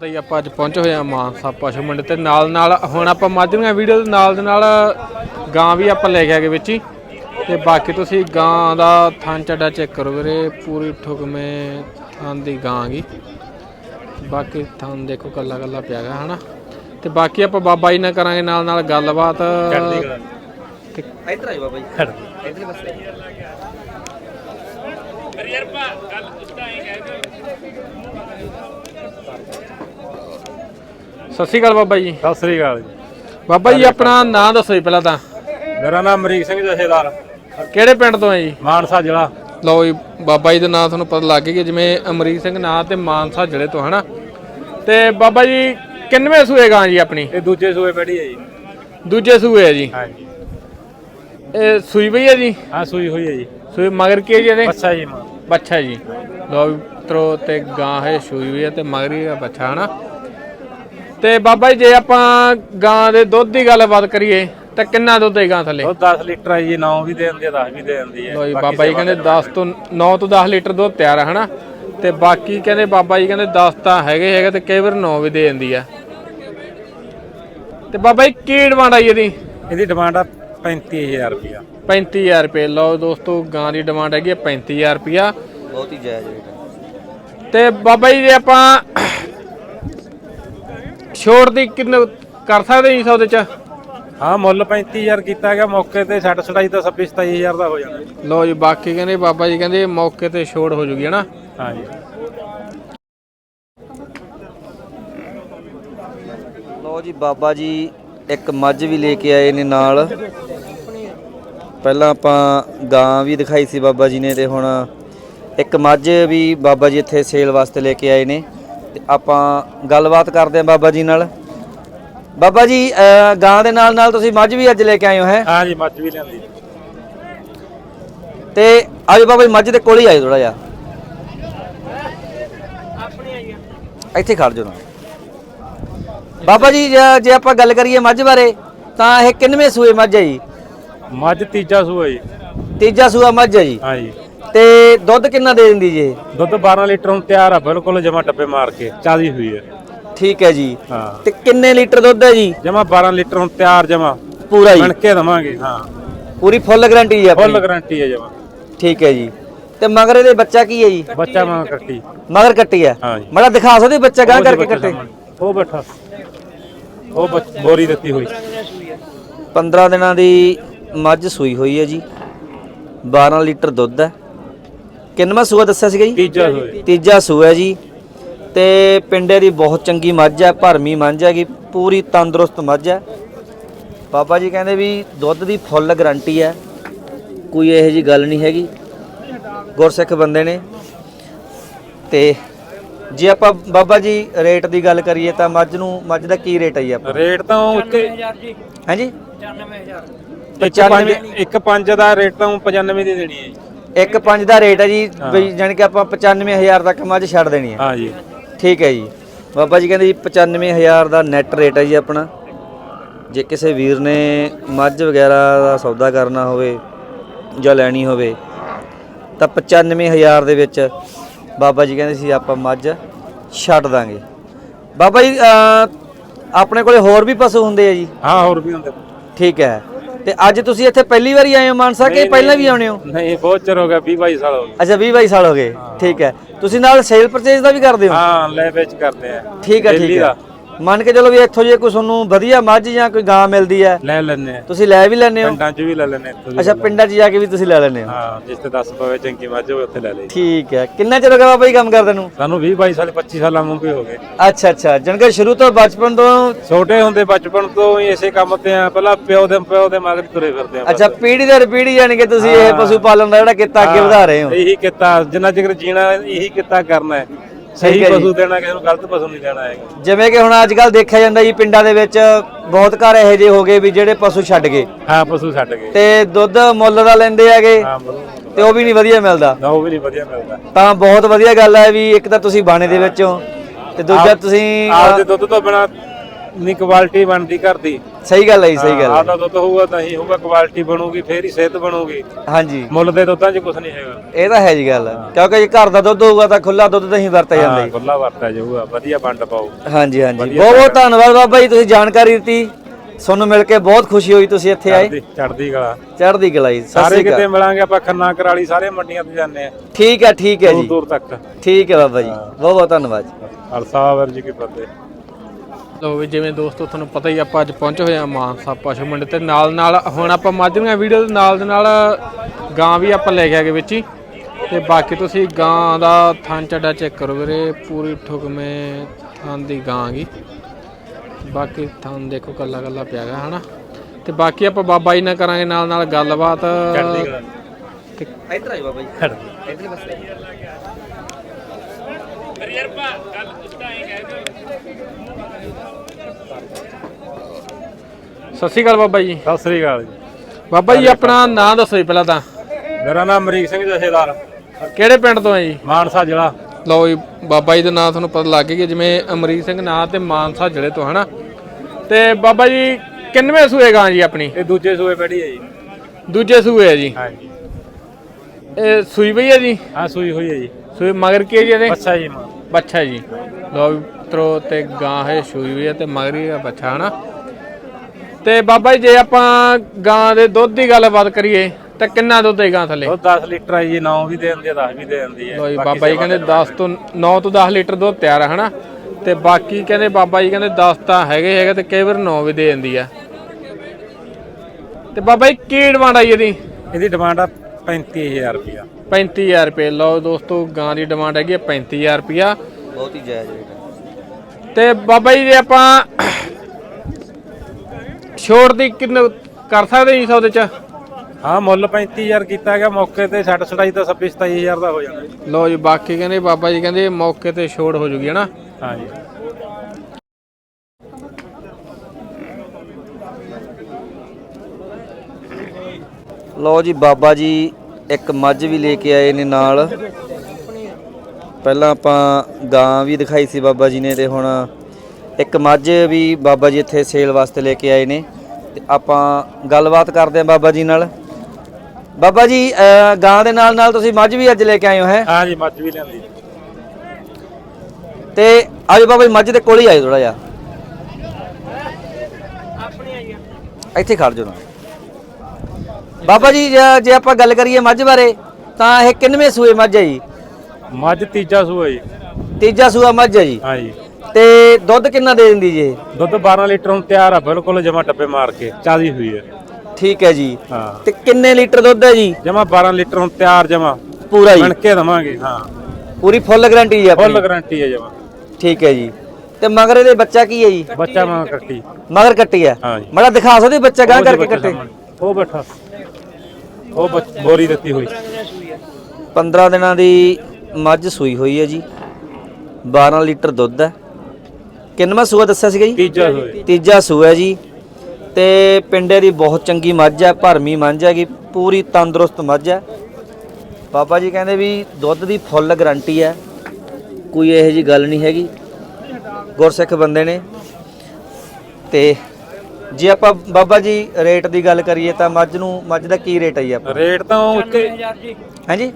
ਪਤਾ ਹੀ ਆਪਾਂ ਅੱਜ ਪਹੁੰਚੇ ਹੋਏ ਆ ਮਾਨਸਾ ਪਸ਼ੂ ਮੰਡੀ ਤੇ ਨਾਲ ਹੁਣ ਆਪਾਂ ਮੱਝ ਦੀਆਂ ਵੀਡੀਓ ਦੇ ਨਾਲ ਗਾਂ ਵੀ ਆਪਾਂ ਲੈ ਕੇ ਆਗੇ ਵਿੱਚ ਹੀ ਤੇ ਬਾਕੀ ਤੁਸੀਂ ਗਾਂ ਦਾ ਥਣ ਚੱਡਾ ਚੈੱਕ ਕਰੋ ਵੀਰੇ ਪੂਰੀ ਠੁਕਮੇ ਥਣ ਦੀ ਗਾਂ ਗੀ ਬਾਕੀ ਥਣ ਦੇਖੋ ਕੱਲਾ ਕੱਲਾ ਪਿਆ ਗਾ ਹਨਾ ਤੇ ਬਾਕੀ ਆਪਾਂ ਬਾਬਾ ਜੀ ਨਾਲ ਕਰਾਂਗੇ ਨਾਲ ਗੱਲਬਾਤ ਇੱਧਰ ਆਈ ਬਾਬਾ ਜੀ ਖੜ ਇੱਧਰ ਬਸ ਯਾਰ ਭਾ ਗੱਲ ਪੁੱਛਦਾ ਐ ਕਹਿ ਸਤਿ ਸ਼੍ਰੀ ਅਕਾਲ ਬਾਬਾ ਜੀ। ਸਤਿ ਸ੍ਰੀ ਅਕਾਲ ਜੀ ਬਾਬਾ ਜੀ ਆਪਣਾ ਨਾਂ ਦੱਸੋ ਜੀ ਪਹਿਲਾਂ ਤਾਂ। ਮੇਰਾ ਨਾਮ ਅਮਰੀਕ ਸਿੰਘ ਜਥੇਦਾਰ ਕਿਹੜੇ ਪਿੰਡ ਤੋਂ ਹੈ ਜੀ? ਮਾਨਸਾ ਜ਼ਿਲ੍ਹਾ। ਲਓ ਜੀ ਬਾਬਾ ਜੀ ਦਾ ਨਾਂ ਤੁਹਾਨੂੰ ਪਤਾ ਲੱਗ ਗਿਆ ਜਿਵੇਂ ਅਮਰੀਕ ਸਿੰਘ ਨਾਂ ਤੇ ਮਾਨਸਾ ਜ਼ਿਲ੍ਹੇ ਤੋਂ ਹਨਾ ਤੇ ਬਾਬਾ ਜੀ ਕਿੰਨਵੇਂ ਸੂਏ ਗਾਂ ਜੀ ਆਪਣੀ? ਇਹ ਦੂਜੇ ਸੂਏ ਬੈਠੀ ਹੈ ਜੀ। ਦੂਜੇ ਸੂਏ ਹੈ ਜੀ। ਹਾਂਜੀ ਇਹ ਸੂਈ ਪਈ ਹੈ ਜੀ? ਹਾਂ ਸੂਈ ਹੋਈ ਹੈ ਜੀ। ਸੂਈ ਮਗਰ ਕੀ ਹੈ ਜੀ ਇਹਦੇ? ਬੱਚਾ ਜੀ ਬੱਚਾ ਜੀ। ਲਓ ਤਰੋ ਤੇ ਗਾਂ ਹੈ ਸੂਈ ਹੋਈ ਹੈ ਤੇ ਮਗਰ ਹੀ ਹੈ ਬੱਚਾ ਹਨਾ ਤੇ ਬਾਬਾ ਜੀ ਜੇ ਆਪਾਂ ਗਾਂ ਦੇ ਦੁੱਧ ਦੀ ਗੱਲਬਾਤ ਕਰੀਏ ਤਾਂ ਕਿੰਨਾ ਦੁੱਧ ਹੈ ਗਾਂ ਥੱਲੇ? ਉਹ 10 ਲੀਟਰ ਹੈ ਜੀ। 9 ਵੀ ਦੇ ਦਿੰਦੀ ਹੈ 10 ਵੀ ਦੇ ਦਿੰਦੀ ਹੈ। ਲੋ ਜੀ ਬਾਬਾ ਜੀ ਕਹਿੰਦੇ 9 ਤੋਂ 10 ਲੀਟਰ ਦੁੱਧ ਤਿਆਰ ਹੈ ਹਨਾ ਤੇ ਬਾਕੀ ਕਹਿੰਦੇ ਬਾਬਾ ਜੀ ਕਹਿੰਦੇ 10 ਤਾਂ ਹੈਗੇ ਤੇ ਕਈ ਵਾਰ 9 ਵੀ ਦੇ ਦਿੰਦੀ ਆ ਤੇ ਬਾਬਾ ਜੀ ਕੀ ਡਿਮਾਂਡ ਆਈ ਇਹਦੀ? ਇਹਦੀ ਡਿਮਾਂਡ ਆ 35000 ਰੁਪਇਆ। 35000 ਰੁਪਏ। ਲਓ ਦੋਸਤੋ ਗਾਂ ਦੀ ਡਿਮਾਂਡ ਹੈਗੀ 35000 ਰੁਪਇਆ ਬਹੁਤ ਹੀ ਜਾਇਜ਼ ਰੇਟ ਤੇ ਬਾਬਾ ਜੀ ਜੇ ਆਪਾਂ ਛੋੜ ਦੀ ਕਿੰਨੇ ਕਰ ਸਕਦੇ ਜੀ ਸੌਦੇ ਚ? ਹਾਂ ਮੁੱਲ 35000 ਕੀਤਾ ਗਿਆ ਮੌਕੇ ਤੇ 60-67 ਤਾਂ 26-27000 ਦਾ ਹੋ ਜਾਣਾ। ਲਓ ਜੀ ਬਾਕੀ ਕਹਿੰਦੇ ਬਾਬਾ ਜੀ ਕਹਿੰਦੇ ਮੌਕੇ ਤੇ ਛੋੜ ਹੋ ਜੂਗੀ ਹਨਾ। ਹਾਂਜੀ ਲਓ ਜੀ ਬਾਬਾ ਜੀ ਇੱਕ ਮੱਝ ਵੀ ਲੈ ਕੇ ਆਏ ਨੇ ਨਾਲ। ਪਹਿਲਾਂ ਆਪਾਂ ਗਾਂ ਵੀ ਦਿਖਾਈ ਸੀ ਬਾਬਾ ਜੀ ਨੇ ਤੇ ਹੁਣ ਇੱਕ ਮੱਝ ਵੀ ਬਾਬਾ ਜੀ ਇੱਥੇ ਸੇਲ ਵਾਸਤੇ ਲੈ ਕੇ ਆਏ ਨੇ ਤੇ ਆਪਾਂ ਗੱਲਬਾਤ ਕਰਦੇ ਹਾਂ ਬਾਬਾ ਜੀ ਨਾਲ। ਬਾਬਾ ਜੀ ਗਾਂ ਦੇ ਨਾਲ ਤੁਸੀਂ ਮੱਝ ਵੀ ਅੱਜ ਲੈ ਕੇ ਆਏ ਹੋ ਹੈ? ਹਾਂ ਜੀ ਮੱਝ ਵੀ ਲੈਂਦੀ ਤੇ ਆਜੋ ਬਾਬਾ ਜੀ ਮੱਝ ਦੇ ਕੋਲ ਹੀ ਆਏ ਥੋੜਾ ਜਿਹਾ ਇੱਥੇ ਖੜ ਜਾਓ ਨਾ। ਬਾਬਾ ਜੀ ਜੇ ਆਪਾਂ ਗੱਲ ਕਰੀਏ ਮੱਝ ਬਾਰੇ ਤਾਂ ਇਹ ਕਿੰਨਵੇਂ ਸੂਏ ਮੱਝ ਹੈ ਜੀ? ਮੱਝ ਤੀਜਾ ਸੂਆ ਜੀ। ਤੀਜਾ ਸੂਆ ਮੱਝ ਹੈ ਜੀ। ਹਾਂ ਜੀ ਤੇ ਦੁੱਧ ਕਿੰਨਾ ਦੇ ਦਿੰਦੀ ਜੀ? ਦੁੱਧ 12 ਲੀਟਰ ਹੁਣ ਤਿਆਰ ਆ ਬਿਲਕੁਲ ਜਮਾ ਡੱਬੇ ਮਾਰ ਕੇ 40 ਹੋਈ ਹੈ। ਠੀਕ ਹੈ ਜੀ। ਹਾਂ ਤੇ ਕਿੰਨੇ ਲੀਟਰ ਦੁੱਧ ਹੈ ਜੀ? ਜਮਾ 12 ਲੀਟਰ ਹੁਣ ਤਿਆਰ ਜਮਾ ਪੂਰਾ ਜੀ ਬਣ ਕੇ ਦਵਾਂਗੇ। ਹਾਂ ਪੂਰੀ ਫੁੱਲ ਗਾਰੰਟੀ ਜੀ ਫੁੱਲ ਆਪਣੀ? ਗਾਰੰਟੀ ਹੈ ਜਮਾ। ਠੀਕ ਹੈ ਜੀ। ਤੇ ਮਗਰ ਇਹਦੇ ਬੱਚਾ ਕੀ ਹੈ ਜੀ? ਬੱਚਾ ਮਾਂ ਕੱਟੀ। ਮਗਰ ਕੱਟੀ ਹੈ? ਹਾਂ ਜੀ। ਮੜਾ ਦਿਖਾ ਸਕਦੇ ਬੱਚਾ ਗਾਂ ਕਰਕੇ ਕੱਟੇ? ਉਹ ਬੈਠਾ ਉਹ ਬੋਰੀ ਦਿੱਤੀ ਹੋਈ 15 ਦਿਨਾਂ ਦੀ ਮੱਝ ਸੂਈ ਹੋਈ ਹੈ ਜੀ। 12 ਲੀਟਰ ਦੁੱਧ ਹੈ। ਕਿੰਨਵਾਂ ਸੂਆ ਦੱਸਿਆ ਸੀਗਾ ਜੀ? ਤੀਜਾ ਸੂਆ। ਤੀਜਾ ਸੂਆ ਜੀ। ਤੇ ਪਿੰਡੇ ਦੀ ਬਹੁਤ ਚੰਗੀ ਮੱਝ ਹੈ ਭਰਮੀ ਮੱਝ ਹੈਗੀ ਪੂਰੀ ਤੰਦਰੁਸਤ ਮੱਝ ਹੈ। ਬਾਬਾ ਜੀ ਕਹਿੰਦੇ ਵੀ ਦੁੱਧ ਦੀ ਫੁੱਲ ਗਾਰੰਟੀ ਹੈ ਕੋਈ ਇਹੋ ਜੀ ਗੱਲ ਨਹੀਂ ਹੈਗੀ ਗੁਰਸਿੱਖ ਬੰਦੇ ਨੇ। ਤੇ ਜੇ ਆਪਾਂ ਬਾਬਾ ਜੀ ਰੇਟ ਦੀ ਗੱਲ ਕਰੀਏ ਤਾਂ ਮੱਝ ਦਾ ਕੀ ਰੇਟ ਹੈ ਜੀ ਆਪਣਾ? ਰੇਟ ਤਾਂ ਹਾਂਜੀ 95 1.5 ਦਾ ਰੇਟ ਤਾਂ 95 ਦੀ ਦੇਣੀ ਹੈ ਜੀ। 1.5 ਦਾ ਰੇਟ ਹੈ ਜੀ ਬਈ ਜਾਨੀ ਕਿ ਆਪਾਂ 95000 ਤੱਕ ਮੱਝ ਛੱਡ ਦੇਣੀ ਹੈ। ਹਾਂ ਜੀ ਠੀਕ ਹੈ ਜੀ। ਬਾਬਾ ਜੀ ਕਹਿੰਦੇ ਜੀ 95000 ਦਾ ਨੈਟ ਰੇਟ ਹੈ ਜੀ ਆਪਣਾ। ਜੇ ਕਿਸੇ ਵੀਰ ਨੇ ਮੱਝ ਵਗੈਰਾ ਦਾ ਸੌਦਾ ਕਰਨਾ ਹੋਵੇ ਜਾਂ ਲੈਣੀ ਹੋਵੇ ਤਾਂ 95000 ਦੇ ਵਿੱਚ ਬਾਬਾ ਜੀ ਕਹਿੰਦੇ ਸੀ ਆਪਾਂ ਮੱਝ ਛੱਡ ਦਾਂਗੇ। ਬਾਬਾ ਜੀ ਆਪਣੇ ਕੋਲੇ ਹੋਰ ਵੀ ਪਸ਼ੂ ਹੁੰਦੇ ਆ ਜੀ? ਹਾਂ ਹੋਰ ਵੀ ਹੁੰਦੇ। ਠੀਕ ਹੈ। ਤੇ ਅੱਜ ਤੁਸੀਂ ਇੱਥੇ ਪਹਿਲੀ ਵਾਰੀ ਆਏ ਹੋ ਮਾਨਸਾ ਕਿ ਪਹਿਲਾਂ ਵੀ ਆਉਣੇ ਹੋ? ਨਹੀਂ ਬਹੁਤ ਚਿਰ ਹੋ ਗਿਆ 20-22 ਸਾਲ ਹੋ ਗਏ। ਅੱਛਾ 20-22 ਸਾਲ ਹੋ ਗਏ। ਠੀਕ ਹੈ। ਤੁਸੀਂ ਨਾਲ ਸੇਲ ਪਰਚੇਜ ਦਾ ਵੀ ਕਰਦੇ ਹੋ? ਹਾਂ ਲੈ ਵੇਚ ਕਰਦੇ ਆ। ਠੀਕ ਹੈ ਠੀਕ ਹੈ। ਮੰਨ ਕੇ ਚਲੋ ਵੀ ਇੱਥੋਂ ਜੇ ਕੋਈ ਤੁਹਾਨੂੰ ਵਧੀਆ ਮੱਝ ਜਾਂ ਕੋਈ ਗਾਂ ਮਿਲਦੀ ਹੈ ਲੈ ਲੈਣੇ ਆ। ਤੁਸੀਂ ਲੈ ਵੀ ਲੈਣੇ ਹੋ? ਪਿੰਡਾਂ 'ਚ ਵੀ ਲੈ ਲੈਣੇ ਇੱਥੋਂ ਵੀ। ਅੱਛਾ ਪਿੰਡਾਂ 'ਚ ਜਾ ਕੇ ਵੀ ਤੁਸੀਂ ਲੈ ਲੈਣੇ ਹੋ? ਹਾਂ ਜਿਸ ਤੇ 10 ਪਵੇ ਚੰਗੀ ਮੱਝ ਹੋਵੇ ਉੱਥੇ ਲੈ ਲਈ। ਠੀਕ ਹੈ। ਕਿੰਨਾ ਚਿਰ ਹੋ ਗਿਆ ਬਾਬਾ ਜੀ ਕੰਮ ਕਰਦੇ ਨੂੰ? ਸਾਨੂੰ 20-22 ਸਾਲ 25 ਸਾਲਾਂ ਨੂੰ ਵੀ ਹੋ ਗਏ। ਅੱਛਾ ਅੱਛਾ ਜਨਕ ਸ਼ੁਰੂ ਤੋਂ ਬਚਪਨ ਤੋਂ? ਛੋਟੇ ਹੁੰਦੇ ਬਚਪਨ ਤੋਂ ਹੀ ਇਸੇ ਕੰਮ ਤੇ ਆ। ਪਹਿਲਾਂ ਪਿਓ ਦੇ ਮਗਰ ਤੁਰੇ ਫਿਰਦੇ ਆ। ਅੱਛਾ ਪੀੜੀ ਦਰ ਪੀੜੀ ਯਾਨੀ ਕਿ ਤੁਸੀਂ ਇਹ ਪਸ਼ੂ ਪਾਲਣ ਦਾ ਜਿਹੜਾ ਕਿੱਤਾ ਅੱਗੇ ਵਧਾ ਰਹੇ ਹੋ? ਇਹੀ ਕਿੱਤਾ ਜਿੰਨਾ ਚਿਰ ਜੀਣਾ ਇਹੀ ਕਿੱਤਾ ਕਰਨਾ ਹੈ। ਸਹੀ ਪਸ਼ੂ ਦੇਣਾ ਕਿਸੇ ਨੂੰ ਗਲਤ ਪਸ਼ੂ ਨਹੀਂ ਦੇਣਾ ਹੈਗਾ। ਜਿਵੇਂ ਕਿ ਹੁਣ ਅੱਜ ਕੱਲ ਦੇਖਿਆ ਜਾਂਦਾ ਜੀ ਪਿੰਡਾਂ ਦੇ ਵਿੱਚ ਬਹੁਤ ਘਰ ਇਹੋ ਜਿਹੇ ਹੋ ਗਏ ਵੀ ਜਿਹੜੇ ਪਸ਼ੂ ਛੱਡ ਗਏ। ਹਾਂ ਪਸ਼ੂ ਛੱਡ ਗਏ ਤੇ ਦੁੱਧ ਮੁੱਲ ਦਾ ਲੈਂਦੇ ਹੈਗੇ ਤੇ ਉਹ ਵੀ ਨਹੀਂ ਵਧੀਆ ਮਿਲਦਾ। ਉਹ ਵੀ ਨਹੀਂ ਵਧੀਆ ਮਿਲਦਾ। ਤਾਂ ਬਹੁਤ ਵਧੀਆ ਗੱਲ ਹੈ ਵੀ ਇੱਕ ਤਾਂ ਤੁਸੀਂ ਬਾਣੇ ਦੇ ਵਿੱਚ ਹੋ ਤੇ ਦੂਜਾ ਤੁਸੀਂ ਆਪਦੇ ਦੁੱਧ ਤੋਂ ਬਿਨਾ ਨਹੀਂ ਕੁਆਲਿਟੀ ਬਣਦੀ ਘਰ ਦੀ। ਸਹੀ ਗੱਲ ਹੈ ਜੀ, ਸਹੀ ਗੱਲ ਹੈ। ਆਦਾ ਦੁੱਧ ਹੋਊਗਾ ਤਾਂ ਹੀ ਹੋਊਗਾ, ਕੁਆਲਿਟੀ ਬਣੂਗੀ ਫੇਰ ਹੀ ਸਿਹਤ ਬਣੂਗੀ। ਹਾਂਜੀ, ਮੁੱਲ ਦੇ ਦੁੱਧਾਂ 'ਚ ਕੁਝ ਨਹੀਂ ਹੈਗਾ। ਇਹ ਤਾਂ ਹੈ ਜੀ ਗੱਲ, ਕਿਉਂਕਿ ਜੇ ਘਰ ਦਾ ਦੁੱਧ ਹੋਊਗਾ ਤਾਂ ਖੁੱਲਾ ਦੁੱਧ ਤਾਂ ਹੀ ਵਰਤਿਆ ਜਾਂਦਾ ਜੀ। ਖੁੱਲਾ ਵਰਤਿਆ ਜਾਊਗਾ, ਵਧੀਆ ਵੰਡ ਪਾਓ। ਹਾਂਜੀ ਹਾਂਜੀ, ਬਹੁਤ ਬਹੁਤ ਧੰਨਵਾਦ ਬਾਬਾ ਜੀ, ਤੁਸੀਂ ਜਾਣਕਾਰੀ ਦਿੱਤੀ। ਤੁਹਾਨੂੰ ਮਿਲ ਕੇ ਬਹੁਤ ਖੁਸ਼ੀ ਹੋਈ, ਤੁਸੀਂ ਇੱਥੇ ਆਏ। ਚੜ੍ਹਦੀ ਕਲਾ, ਚੜ੍ਹਦੀ ਕਲਾ ਜੀ। ਸਾਰੇ ਕਿਤੇ ਮਿਲਾਂਗੇ ਆਪਾਂ, ਖੰਨਾ ਕਰਾਲੀ ਸਾਰੇ ਮੰਡੀਆਂ ਤੇ ਜਾਂਦੇ ਆ। ਠੀਕ ਹੈ ਜੀ, ਦੂਰ ਤੱਕ। ਠੀਕ ਹੈ ਬਾਬਾ ਜੀ, ਬਹੁਤ ਬਹੁਤ ਧੰਨਵਾਦ। ਖਾਲਸਾ ਵਾਹਿਗੁਰੂ ਜੀ ਕੀ ਫਤਿਹ। ਲੋ ਵੀ ਜਿਵੇਂ ਦੋਸਤੋ ਤੁਹਾਨੂੰ ਪਤਾ ਹੀ ਆਪਾਂ ਅੱਜ ਪਹੁੰਚੇ ਹੋਏ ਆ ਮਾਨਸਾ ਪਸ਼ੂ ਮੰਡੀ ਤੇ ਨਾਲ ਹੁਣ ਆਪਾਂ ਮੱਝ ਦੀਆਂ ਵੀਡੀਓ ਦੇ ਨਾਲ ਗਾਂ ਵੀ ਆਪਾਂ ਲੈ ਕੇ ਆਗੇ ਵਿੱਚ ਹੀ। ਤੇ ਬਾਕੀ ਤੁਸੀਂ ਗਾਂ ਦਾ ਥਣ ਚੱਡਾ ਚੈੱਕ ਕਰੋ ਵੀਰੇ, ਪੂਰੀ ਠੁਕਮੇ ਥਣ ਦੀ ਗਾਂ ਗੀ। ਬਾਕੀ ਥਣ ਦੇਖੋ ਕੱਲਾ ਕੱਲਾ ਪਿਆ ਗਾ ਹਨਾ। ਤੇ ਬਾਕੀ ਆਪਾਂ ਬਾਬਾ ਜੀ ਨਾਲ ਕਰਾਂਗੇ ਨਾਲ ਗੱਲਬਾਤ। ਇੱਧਰ ਆਇਓ ਬਾਬਾ ਜੀ, ਇੱਧਰ ਬਸ। ਸਤਿ ਸ਼੍ਰੀ ਅਕਾਲ ਬਾਬਾ ਜੀ। ਸਤਿ ਸ੍ਰੀ ਅਕਾਲ ਜੀ। ਬਾਬਾ ਜੀ ਆਪਣਾ ਨਾਮ ਦੱਸੋ ਜੀ ਪਹਿਲਾਂ ਤਾਂ। ਮੇਰਾ ਨਾਮ ਅਮਰੀਕ ਸਿੰਘ ਜਥੇਦਾਰ, ਕਿਹੜੇ ਪਿੰਡ ਤੋਂ ਹੈ ਜੀ? ਮਾਨਸਾ ਜ਼ਿਲ੍ਹਾ। ਲਓ ਜੀ ਬਾਬਾ ਜੀ ਦਾ ਨਾਮ ਤੁਹਾਨੂੰ ਪਤਾ ਲੱਗ ਗਿਆ, ਜਿਵੇਂ ਅਮਰੀਕ ਸਿੰਘ ਨਾਂ ਤੇ ਮਾਨਸਾ ਜ਼ਿਲ੍ਹੇ ਤੋਂ ਹਨਾ। ਤੇ ਬਾਬਾ ਜੀ ਕਿੰਨਵੇਂ ਸੂਏ ਗਾਂ ਜੀ ਆਪਣੀ? ਇਹ ਦੂਜੇ ਸੂਏ ਬੈਠੀ ਹੈ ਜੀ। ਦੂਜੇ ਸੂਏ ਹੈ ਜੀ। ਹਾਂਜੀ, ਇਹ ਸੂਈ ਪਈ ਹੈ ਜੀ? ਹਾਂ ਸੂਈ ਹੋਈ ਹੈ ਜੀ। ਸੂਈ ਮਗਰ ਕੀ ਹੈ ਜੀ ਇਹਦੇ? ਅੱਛਾ ਜੀ, ਬੱਚਾ ਜੀ। ਲਓ ਵੀ ਤਰੋ ਤੇ ਗਾਂ ਹੈ, ਸੂਈ ਹੋਈ ਹੈ ਤੇ ਮਗਰ ਹੀ ਬੱਚਾ ਹਨਾ। ਤੇ ਬਾਬਾ ਜੀ ਜੇ ਆਪਾਂ ਗਾਂ ਦੇ ਦੁੱਧ ਦੀ ਗੱਲਬਾਤ ਕਰੀਏ ਤਾਂ ਕਿੰਨਾ ਦੁੱਧ ਹੈ ਗਾਂ ਥੱਲੇ? ਉਹ 10 ਲੀਟਰ ਹੈ ਜੀ, 9 ਵੀ ਦੇ ਦਿੰਦੀ ਹੈ, 10 ਵੀ ਦੇ ਦਿੰਦੀ ਹੈ। ਲਓ ਜੀ ਬਾਬਾ ਜੀ ਕਹਿੰਦੇ 9 ਤੋਂ 10 ਲੀਟਰ ਦੁੱਧ ਤਿਆਰ ਹੈ ਹਨਾ। ਤੇ ਬਾਕੀ ਕਹਿੰਦੇ ਬਾਬਾ ਜੀ ਕਹਿੰਦੇ 10 ਤਾਂ ਹੈਗੇ ਤੇ ਕਈ ਵਾਰ 9 ਵੀ ਦੇ ਦਿੰਦੀ ਆ। ਤੇ ਬਾਬਾ ਜੀ ਕੀ ਡਿਮਾਂਡ ਆਈ ਇਹਦੀ? ਇਹਦੀ ਡਿਮਾਂਡ ਆ 35000 ਰੁਪਇਆ। 35000 ਰੁਪਏ। ਲਓ ਦੋਸਤੋ ਗਾਂ ਦੀ ਡਿਮਾਂਡ ਹੈਗੀ 35000 ਰੁਪਇਆ, ਬਹੁਤ ਹੀ ਜਾਇਜ਼ ਰੇਟ। ਤੇ ਬਾਬਾ ਜੀ ਜੇ ਆਪਾਂ ਛੋੜ ਦੀ ਕਿੰਨੇ ਕਰ ਸਕਦੇ ਜੀ ਸੌਦੇ ਚ? ਹਾਂ ਮੁੱਲ 35000 ਕੀਤਾ ਗਿਆ, ਮੌਕੇ ਤੇ 60-67 ਤਾਂ 26-27000 ਦਾ ਹੋ ਜਾਣਾ। ਲਓ ਜੀ ਬਾਕੀ ਕਹਿੰਦੇ ਬਾਬਾ ਜੀ ਕਹਿੰਦੇ ਮੌਕੇ ਤੇ ਛੋੜ ਹੋ ਜੂਗੀ ਹਨਾ। ਹਾਂਜੀ, ਲਓ ਜੀ ਬਾਬਾ ਜੀ ਇੱਕ ਮੱਝ ਵੀ ਲੈ ਕੇ ਆਏ ਨੇ ਨਾਲ। ਪਹਿਲਾਂ ਆਪਾਂ ਗਾਂ ਵੀ ਦਿਖਾਈ ਸੀ ਬਾਬਾ ਜੀ ਨੇ, ਤੇ ਹੁਣ ਇੱਕ ਮੱਝ ਵੀ ਬਾਬਾ ਜੀ ਇੱਥੇ ਸੇਲ ਵਾਸਤੇ ਲੈ ਕੇ ਆਏ ਨੇ। ਤੇ ਆਪਾਂ ਗੱਲਬਾਤ ਕਰਦੇ ਹਾਂ ਬਾਬਾ ਜੀ ਨਾਲ। ਬਾਬਾ ਜੀ ਗਾਂ ਦੇ ਨਾਲ ਤੁਸੀਂ ਮੱਝ ਵੀ ਅੱਜ ਲੈ ਕੇ ਆਏ ਹੋ ਹੈ? ਹਾਂ ਜੀ, ਮੱਝ ਵੀ ਲੈਂਦੀ। ਤੇ ਆਜੋ ਬਾਬਾ ਜੀ ਮੱਝ ਦੇ ਕੋਲ ਹੀ ਆਏ ਥੋੜਾ ਜਿਹਾ, ਇੱਥੇ ਖੜ ਜਾਓ ਨਾ। ਬਾਬਾ ਜੀ ਜੇ ਆਪਾਂ ਗੱਲ ਕਰੀਏ ਮੱਝ ਬਾਰੇ ਤਾਂ ਇਹ ਕਿੰਨਵੇਂ ਸੂਏ ਮੱਝ ਹੈ ਜੀ? ਮੱਝ ਤੀਜਾ ਸੂਆ ਜੀ। ਤੀਜਾ ਸੂਆ ਮੱਝ ਹੈ ਜੀ। ਹਾਂ ਜੀ। ਤੇ ਦੁੱਧ ਕਿੰਨਾ ਦੇ ਦਿੰਦੀ ਜੀ ਇਹ? ਦੁੱਧ 12 ਲੀਟਰ ਹੁਣ ਤਿਆਰ ਆ, ਬਿਲਕੁਲ ਜਮਾ ਡੱਬੇ ਮਾਰ ਕੇ ਚਾਦੀ ਹੋਈ ਹੈ। ਠੀਕ ਹੈ ਜੀ। ਹਾਂ, ਤੇ ਕਿੰਨੇ ਲੀਟਰ ਦੁੱਧ ਹੈ ਜੀ? ਜਮਾ 12 ਲੀਟਰ ਹੁਣ ਤਿਆਰ ਜਮਾ ਪੂਰਾ ਜੀ? ਬਣ ਕੇ ਦਵਾਂਗੇ। ਹਾਂ, ਪੂਰੀ ਫੁੱਲ ਗਾਰੰਟੀ ਜੀ ਆਪਣੀ? ਫੁੱਲ ਗਾਰੰਟੀ ਹੈ ਜਮਾ। ਠੀਕ ਹੈ ਜੀ। ਤੇ ਮਗਰ ਇਹਦੇ ਬੱਚਾ ਕੀ ਹੈ ਜੀ? ਬੱਚਾ ਮਾਂ ਕੱਟੀ। ਮਗਰ ਕੱਟੀ ਹੈ? ਹਾਂ ਜੀ। ਮੜਾ ਦਿਖਾ ਸਕਦੇ ਬੱਚਾ ਗਾਂ ਕਰਕੇ ਕੱਟੇ? ਉਹ ਬੈਠਾ, ਉਹ ਬੋਰੀ ਦਿੱਤੀ ਹੋਈ। 15 ਦਿਨਾਂ ਦੀ ਮੱਝ ਸੂਈ ਹੋਈ ਹੈ ਜੀ, 12 ਲੀਟਰ ਦੁੱਧ ਹੈ। ਕਿੰਨਵਾਂ ਸੂਆ ਦੱਸਿਆ ਸੀਗਾ ਜੀ? ਤੀਜਾ ਸੂਆ। ਤੀਜਾ ਸੂਆ ਜੀ। ਤੇ ਪਿੰਡੇ ਦੀ ਬਹੁਤ ਚੰਗੀ ਮੱਝ ਹੈ, ਭਰਮੀ ਮੱਝ ਹੈਗੀ, ਪੂਰੀ ਤੰਦਰੁਸਤ ਮੱਝ ਹੈ। ਬਾਬਾ ਜੀ ਕਹਿੰਦੇ ਵੀ ਦੁੱਧ ਦੀ ਫੁੱਲ ਗਾਰੰਟੀ ਹੈ, ਕੋਈ ਇਹੋ ਜੀ ਗੱਲ ਨਹੀਂ ਹੈਗੀ। ਗੁਰਸਿੱਖ ਬੰਦੇ ਨੇ। ਤੇ ਜੇ ਆਪਾਂ ਬਾਬਾ ਜੀ ਰੇਟ ਦੀ ਗੱਲ ਕਰੀਏ ਤਾਂ ਮੱਝ ਦਾ ਕੀ ਰੇਟ ਹੈ ਜੀ ਆਪਣਾ? ਰੇਟ ਤਾਂ ਹਾਂਜੀ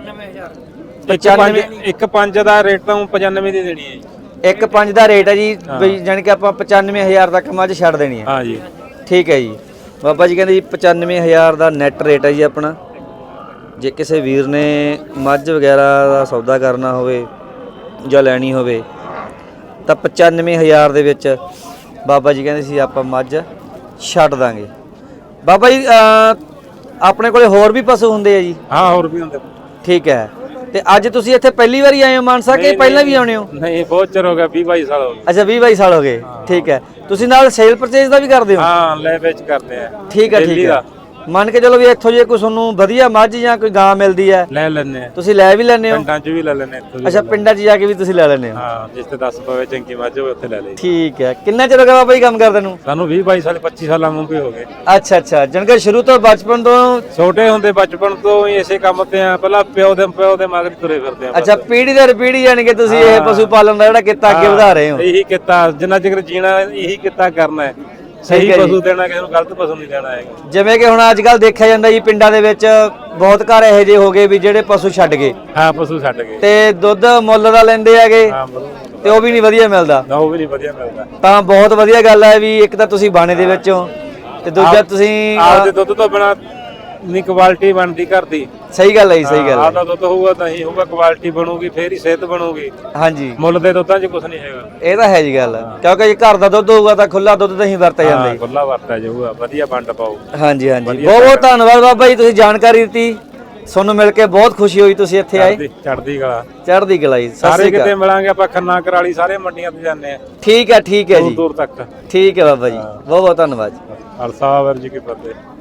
95। 1.5 ਦਾ ਰੇਟ ਤਾਂ 95 ਦੀ ਦੇਣੀ ਹੈ ਜੀ। 1.5 ਦਾ ਰੇਟ ਹੈ ਜੀ, ਬਈ ਜਾਣੀ ਕਿ ਆਪਾਂ 95000 ਤੱਕ ਮੱਝ ਛੱਡ ਦੇਣੀ ਹੈ। ਹਾਂ ਜੀ। ਠੀਕ ਹੈ ਜੀ। ਬਾਬਾ ਜੀ ਕਹਿੰਦੇ ਜੀ 95000 ਦਾ ਨੈਟ ਰੇਟ ਹੈ ਜੀ ਆਪਣਾ। ਜੇ ਕਿਸੇ ਵੀਰ ਨੇ ਮੱਝ ਵਗੈਰਾ ਦਾ ਸੌਦਾ ਕਰਨਾ ਹੋਵੇ ਜਾਂ ਲੈਣੀ ਹੋਵੇ ਤਾਂ 95000 ਦੇ ਵਿੱਚ ਬਾਬਾ ਜੀ ਕਹਿੰਦੇ ਸੀ ਆਪਾਂ ਮੱਝ ਛੱਡ ਦਾਂਗੇ। ਬਾਬਾ ਜੀ ਆਪਣੇ ਕੋਲੇ ਹੋਰ ਵੀ ਪਸ਼ੂ ਹੁੰਦੇ ਆ ਜੀ? ਹਾਂ, ਹੋਰ ਵੀ ਹੁੰਦੇ। ਠੀਕ ਹੈ। ਤੇ ਅੱਜ ਤੁਸੀਂ ਇੱਥੇ ਪਹਿਲੀ ਵਾਰੀ ਆਏ ਹੋ ਮਾਨਸਾ ਕਿ ਪਹਿਲਾਂ ਵੀ ਆਉਣੇ ਹੋ? ਨਹੀਂ, ਬਹੁਤ ਚਿਰ ਹੋ ਗਿਆ, 20-22 ਸਾਲ ਹੋ ਗਏ। ਅੱਛਾ, 20-22 ਸਾਲ ਹੋ ਗਏ। ਠੀਕ ਹੈ। ਤੁਸੀਂ ਨਾਲ ਸੇਲ ਪਰਚੇਜ ਦਾ ਵੀ ਕਰਦੇ ਹੋ? ਹਾਂ, ਲੈ ਵੇਚ ਕਰਦੇ ਆ। ਠੀਕ ਹੈ, ਠੀਕ ਹੈ। ਮੰਨ ਕੇ ਚਲੋ ਵੀ ਇੱਥੋਂ ਜੇ ਕੋਈ ਤੁਹਾਨੂੰ ਵਧੀਆ ਮੱਝ ਜਾਂ ਕੋਈ ਗਾਂ ਮਿਲਦੀ ਹੈ ਲੈ ਲੈਣੇ ਆ, ਤੁਸੀਂ ਲੈ ਵੀ ਲੈਂਦੇ ਹੋ? ਪਿੰਡਾਂ 'ਚ ਵੀ ਲੈ ਲੈਣੇ ਇੱਥੋਂ ਵੀ। ਅੱਛਾ, ਪਿੰਡਾਂ 'ਚ ਜਾ ਕੇ ਵੀ ਤੁਸੀਂ ਲੈ ਲੈਂਦੇ ਹੋ? ਹਾਂ, ਜਿਸ ਤੇ 10 ਪਵੇ ਚੰਗੀ ਮੱਝ ਹੋਵੇ ਉੱਥੇ ਲੈ ਲਈ। ਠੀਕ ਹੈ। ਕਿੰਨਾ ਚਿਰ ਹੋ ਗਿਆ ਬਾਬਾ ਜੀ ਕੰਮ ਕਰਦੇ ਨੂੰ? ਸਾਨੂੰ 20-22 ਸਾਲ 25 ਸਾਲਾਂ ਨੂੰ ਵੀ ਹੋ ਗਏ। ਅੱਛਾ ਅੱਛਾ, ਜਾਣੀ ਸ਼ੁਰੂ ਤੋਂ ਬਚਪਨ ਤੋਂ? ਛੋਟੇ ਹੁੰਦੇ ਬਚਪਨ ਤੋਂ ਹੀ ਇਸੇ ਕੰਮ ਤੇ ਆ, ਪਹਿਲਾਂ ਪਿਓ ਦੇ ਮਗਰ ਤੁਰੇ ਫਿਰਦੇ ਆ। ਅੱਛਾ, ਪੀੜ੍ਹੀ ਦਰ ਪੀੜ੍ਹੀ ਯਾਨੀ ਕਿ ਤੁਸੀਂ ਇਹ ਪਸ਼ੂ ਪਾਲਣ ਦਾ ਜਿਹੜਾ ਕਿੱਤਾ ਅੱਗੇ ਵਧਾ ਰਹੇ ਹੋ? ਇਹੀ ਕਿੱਤਾ ਜਿੰਨਾ ਚਿਰ ਜੀਣਾ ਇਹੀ ਕਿੱਤਾ ਕਰਨਾ ਹੈ। ਸਹੀ ਪਸ਼ੂ ਦੇਣਾ, ਕਿਸੇ ਨੂੰ ਗਲਤ ਪਸ਼ੂ ਨਹੀਂ ਦੇਣਾ ਹੈਗਾ। ਜਿਵੇਂ ਕਿ ਹੁਣ ਅੱਜ ਕੱਲ ਦੇਖਿਆ ਜਾਂਦਾ ਜੀ ਪਿੰਡਾਂ ਦੇ ਵਿੱਚ ਬਹੁਤ ਘਰ ਇਹੋ ਜਿਹੇ ਹੋ ਗਏ ਵੀ ਜਿਹੜੇ ਪਸ਼ੂ ਛੱਡ ਗਏ। ਹਾਂ, ਪਸ਼ੂ ਛੱਡ ਗਏ ਤੇ ਦੁੱਧ ਮੁੱਲ ਦਾ ਲੈਂਦੇ ਹੈਗੇ ਹਾਂ, ਤੇ ਉਹ ਵੀ ਨਹੀਂ ਵਧੀਆ ਮਿਲਦਾ। ਨਾ ਉਹ ਵੀ ਨਹੀਂ ਵਧੀਆ ਮਿਲਦਾ। ਤਾਂ ਬਹੁਤ ਵਧੀਆ ਗੱਲ ਹੈ ਵੀ ਇੱਕ ਤਾਂ ਤੁਸੀਂ ਬਾਣੇ ਦੇ ਵਿੱਚ ਹੋ ਤੇ ਦੂਜਾ ਤੁਸੀਂ ਆਪਦੇ ਦੁੱਧ ਤੋਂ ਬਿਨਾ ਨਹੀਂ ਕੁਆਲਿਟੀ ਬਣਦੀ ਘਰ ਦੀ। ਸਹੀ ਗੱਲ ਹੈ ਜੀ, ਸਹੀ ਗੱਲ ਹੈ। ਆਪਦਾ ਦੁੱਧ ਹੋਊਗਾ ਤਾਂ ਹੀ ਹੋਊਗਾ, ਕੁਆਲਿਟੀ ਬਣੂਗੀ ਫੇਰ ਹੀ ਸਿਹਤ ਬਣੂਗੀ। ਹਾਂਜੀ, ਮੁੱਲ ਦੇ ਦੁੱਧਾਂ 'ਚ ਕੁਝ ਨਹੀਂ ਹੈਗਾ। ਇਹ ਤਾਂ ਹੈ ਜੀ ਗੱਲ, ਕਿਉਂਕਿ ਜੇ ਘਰ ਦਾ ਦੁੱਧ ਹੋਊਗਾ ਤਾਂ ਖੁੱਲਾ ਦੁੱਧ ਤਾਂ ਹੀ ਵਰਤਿਆ ਜਾਂਦਾ ਜੀ। ਖੁੱਲਾ ਵਰਤਿਆ ਜਾਊਗਾ, ਵਧੀਆ ਵੰਡ ਪਾਓ। ਹਾਂਜੀ ਹਾਂਜੀ, ਬਹੁਤ ਬਹੁਤ ਧੰਨਵਾਦ ਬਾਬਾ ਜੀ, ਤੁਸੀਂ ਜਾਣਕਾਰੀ ਦਿੱਤੀ। ਤੁਹਾਨੂੰ ਮਿਲ ਕੇ ਬਹੁਤ ਖੁਸ਼ੀ ਹੋਈ, ਤੁਸੀਂ ਇੱਥੇ ਆਏ। ਚੜ੍ਹਦੀ ਕਲਾ, ਚੜ੍ਹਦੀ ਕਲਾ ਜੀ। ਸਤਿ ਸਾਰੇ ਸ੍ਰੀ ਕਿਤੇ ਅਕਾਲ। ਮਿਲਾਂਗੇ ਆਪਾਂ, ਖੰਨਾ ਕਰਾਲੀ ਸਾਰੇ ਮੰਡੀਆਂ ਤੇ ਜਾਂਦੇ ਆ। ਠੀਕ ਹੈ ਜੀ, ਦੂਰ ਤੱਕ। ਠੀਕ ਹੈ ਬਾਬਾ ਜੀ, ਬਹੁਤ ਬਹੁਤ ਧੰਨਵਾਦ। ਖਾਲਸਾ ਵਾਹਿਗੁਰੂ ਜੀ ਕੀ ਫਤਿਹ।